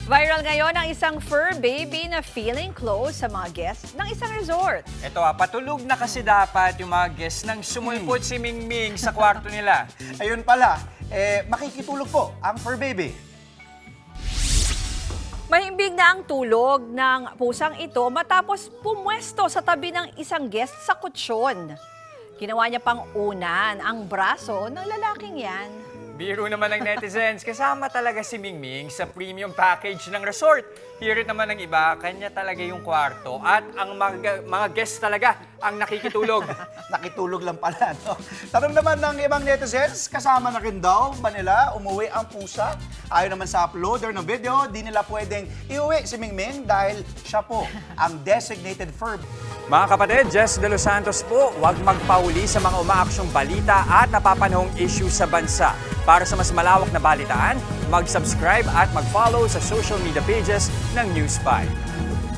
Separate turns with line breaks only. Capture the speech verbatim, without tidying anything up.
Viral ngayon ang isang fur baby na feeling close sa mga guests ng isang resort.
Ito ah, patulog na kasi dapat yung mga guests nang sumulpot si Mingming sa kwarto nila.
Ayun pala, eh, makikitulog po ang fur baby.
Mahimbing na ang tulog ng pusang ito matapos pumwesto sa tabi ng isang guest sa kutsyon. Ginawa niya pang unan ang braso ng lalaking yan.
Biro naman ng netizens, kasama talaga si Mingming sa premium package ng resort. Hirit naman ng iba, kanya talaga yung kwarto at ang mga, mga guests talaga ang nakikitulog.
Nakitulog lang pala, no? Tanong naman ng ibang netizens, kasama na rin daw ba nila umuwi ang pusa? Ayon naman sa uploader ng video, di nila pwedeng iuwi si Mingming dahil siya po ang designated fur.
Mga kapatid, Jess De Los Santos po, huwag magpauli sa mga umaaksyong balita at napapanahong issue sa bansa. Para sa mas malawak na balitaan, mag-subscribe at mag-follow sa social media pages ng News five.